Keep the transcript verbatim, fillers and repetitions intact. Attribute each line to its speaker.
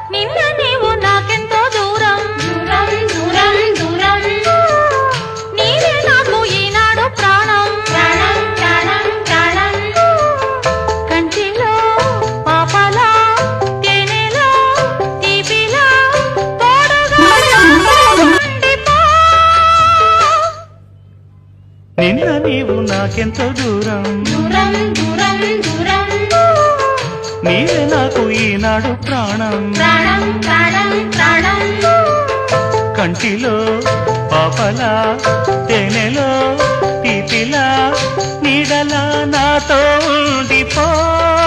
Speaker 1: నిన్న నీవు నాకెంతో దూరం దూరం దూరం దూరం నీవే నాకు ఈనాడు ప్రాణం ప్రాణం ప్రాణం ప్రాణం కంటిలో పాపలా తేనెలో తీపిలా తోడుగా ఉండిపో.
Speaker 2: నిన్న నీవు నాకెంతో దూరం
Speaker 1: దూరం దూరం దూరం
Speaker 2: నీవే నాకు ఈనాడు ప్రాణం
Speaker 1: ప్రాణం ప్రాణం ప్రాణం
Speaker 2: కంటిలో పాపలా తేనెలో తీపిలా నీడలా నాతో ఉండిపో.